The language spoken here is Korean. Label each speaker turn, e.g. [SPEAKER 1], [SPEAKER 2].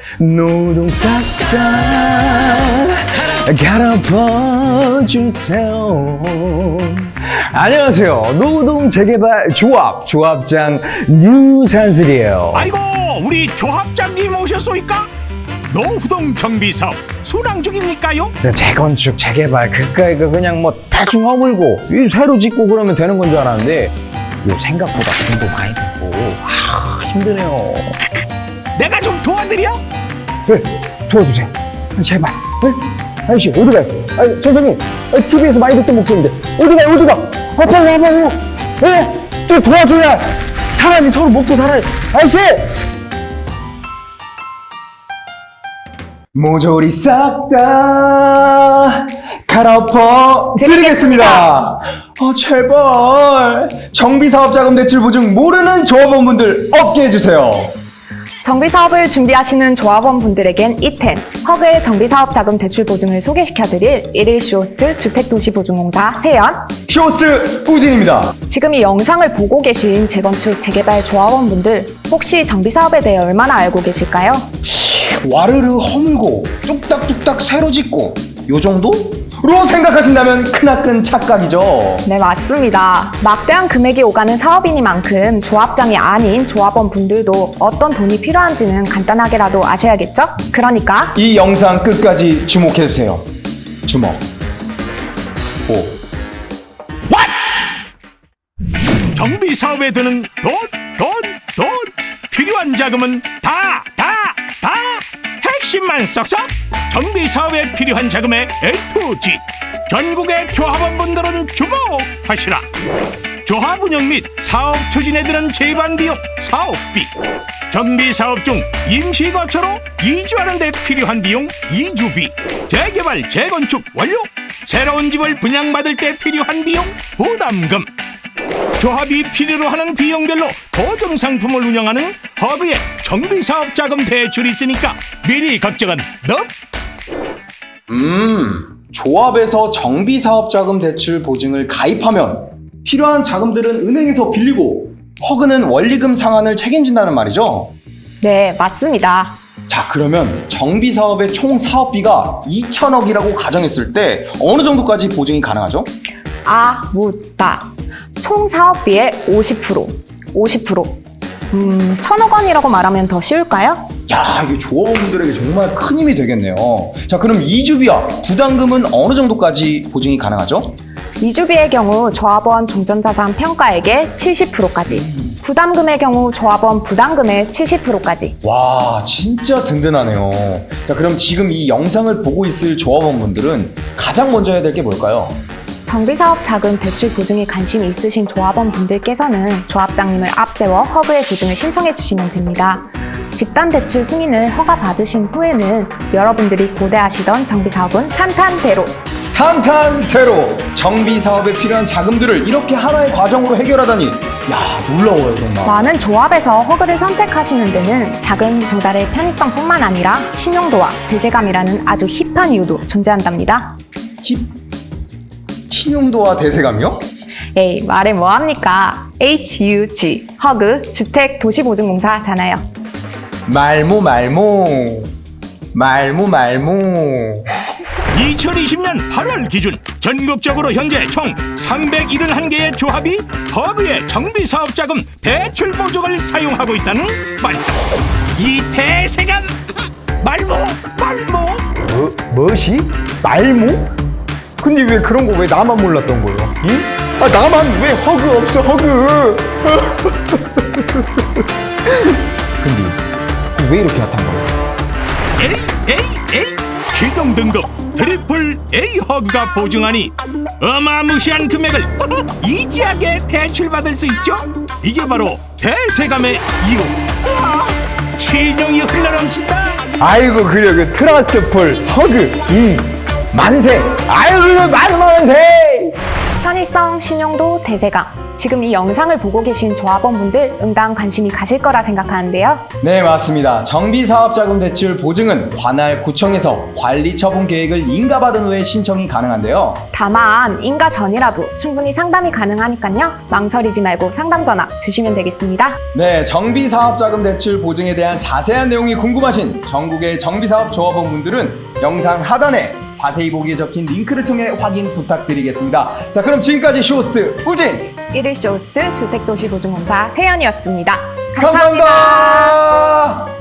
[SPEAKER 1] 노동 싹 다 갈아엎어주세요. 안녕하세요. 노동 재개발 조합장 유산슬이에요.
[SPEAKER 2] 아이고, 우리 조합장님 오셨소이까? 노후동 정비사업 순항 중입니까요?
[SPEAKER 1] 재건축 재개발 그까이 그냥 뭐 대충 허물고 새로 짓고 그러면 되는 건 줄 알았는데 이거 생각보다 돈도 많이 들고 힘드네요.
[SPEAKER 2] 내가 좀 도와드려?
[SPEAKER 1] 네, 도와주세요. 제발. 네? 아저씨 어디 가요? 아니, 선생님 TV에서 많이 듣던 목소리인데 어디 가? 빨리 와봐요. 네? 좀 도와줘야 사람이 서로 먹고 살아요. 아저씨! 모조리 싹 다 갈아엎어 드리겠습니다. 제발 정비사업자금 대출 보증 모르는 조합원분들 없게 해주세요.
[SPEAKER 3] 정비사업을 준비하시는 조합원분들에겐 이템, 허그의 정비사업자금 대출 보증을 소개시켜드릴 1일 쇼호스트 주택도시보증공사 세연,
[SPEAKER 1] 쇼호스트 꾸진입니다.
[SPEAKER 3] 지금 이 영상을 보고 계신 재건축, 재개발 조합원분들 혹시 정비사업에 대해 얼마나 알고 계실까요?
[SPEAKER 1] 와르르 허물고 뚝딱뚝딱 새로 짓고 요 정도로 생각하신다면 크나큰 착각이죠.
[SPEAKER 3] 네, 맞습니다. 막대한 금액이 오가는 사업이니만큼 조합장이 아닌 조합원분들도 어떤 돈이 필요한지는 간단하게라도 아셔야겠죠? 그러니까
[SPEAKER 1] 이 영상 끝까지 주목해주세요. 주목. 오.
[SPEAKER 2] 정비 사업에 드는 돈 필요한 자금은 다 핵심만 쏙쏙. 정비 사업에 필요한 자금의 A2G. 전국의 조합원분들은 주목하시라. 조합 운영 및 사업 추진에 드는 제반 비용, 사업비. 정비 사업 중 임시 거처로 이주하는 데 필요한 비용, 이주비. 재개발, 재건축 완료. 새로운 집을 분양받을 때 필요한 비용, 부담금. 조합이 필요로 하는 비용별로 보증 상품을 운영하는 허브의 정비사업자금 대출이 있으니까 미리 걱정은 너.
[SPEAKER 1] 조합에서 정비사업자금 대출 보증을 가입하면 필요한 자금들은 은행에서 빌리고 허그는 원리금 상환을 책임진다는 말이죠?
[SPEAKER 3] 네, 맞습니다.
[SPEAKER 1] 자, 그러면 정비사업의 총 사업비가 2천억이라고 가정했을 때 어느 정도까지 보증이 가능하죠?
[SPEAKER 3] 총 사업비의 50%. 1,000억 원이라고 말하면 더 쉬울까요?
[SPEAKER 1] 야, 이게 조합원분들에게 정말 큰 힘이 되겠네요. 자, 그럼 이주비와 부담금은 어느 정도까지 보증이 가능하죠?
[SPEAKER 3] 이주비의 경우 조합원 종전자산 평가액의 70%까지, 부담금의 경우 조합원 부담금의 70%까지.
[SPEAKER 1] 와, 진짜 든든하네요. 자, 그럼 지금 이 영상을 보고 있을 조합원분들은 가장 먼저 해야 될 게 뭘까요?
[SPEAKER 3] 정비사업 자금 대출 보증에 관심이 있으신 조합원분들께서는 조합장님을 앞세워 허그의 보증을 신청해 주시면 됩니다. 집단 대출 승인을 허가 받으신 후에는 여러분들이 고대하시던 정비사업은 탄탄대로
[SPEAKER 1] 정비사업에 필요한 자금들을 이렇게 하나의 과정으로 해결하다니, 야, 놀라워요 정말.
[SPEAKER 3] 많은 조합에서 허그를 선택하시는 데는 자금 조달의 편의성뿐만 아니라 신용도와 대제감이라는 아주 힙한 이유도 존재한답니다.
[SPEAKER 1] 신용도와 대세감이요?
[SPEAKER 3] 에이, 말해 뭐합니까? HUG, 허그, 주택도시보증공사잖아요.
[SPEAKER 1] 말모
[SPEAKER 2] 2020년 8월 기준 전국적으로 현재 총 371개의 조합이 허브의 정비사업자금 대출 보증을 사용하고 있다는 말씀. 이 대세감 말모.
[SPEAKER 1] 뭐시? 말모? 근데 왜 그런 거 왜 나만 몰랐던 거예요? 응? 나만 왜 허그 없어, 허그? 근데 왜 이렇게 핫한 거예요?
[SPEAKER 2] 에이 최종 등급 트리플 A 허그가 보증하니 어마무시한 금액을 이지하게 대출받을 수 있죠. 이게 바로 대세감의 이유. 신용이 흘러넘친다.
[SPEAKER 1] 아이고, 그래, 그 트러스트풀 허그 이 만세. 아이고, 만세.
[SPEAKER 3] 편의성, 신용도, 대세감. 지금 이 영상을 보고 계신 조합원분들 응당 관심이 가실 거라 생각하는데요.
[SPEAKER 4] 네, 맞습니다. 정비사업자금 대출 보증은 관할 구청에서 관리처분 계획을 인가받은 후에 신청이 가능한데요.
[SPEAKER 3] 다만 인가 전이라도 충분히 상담이 가능하니까요. 망설이지 말고 상담 전화 주시면 되겠습니다.
[SPEAKER 4] 네, 정비사업자금 대출 보증에 대한 자세한 내용이 궁금하신 전국의 정비사업 조합원분들은 영상 하단에 자세히 보기에 적힌 링크를 통해 확인 부탁드리겠습니다. 자, 그럼 지금까지 쇼호스트 우진!
[SPEAKER 3] 1일 쇼호스트 주택도시보증공사 세연이었습니다.
[SPEAKER 4] 감사합니다.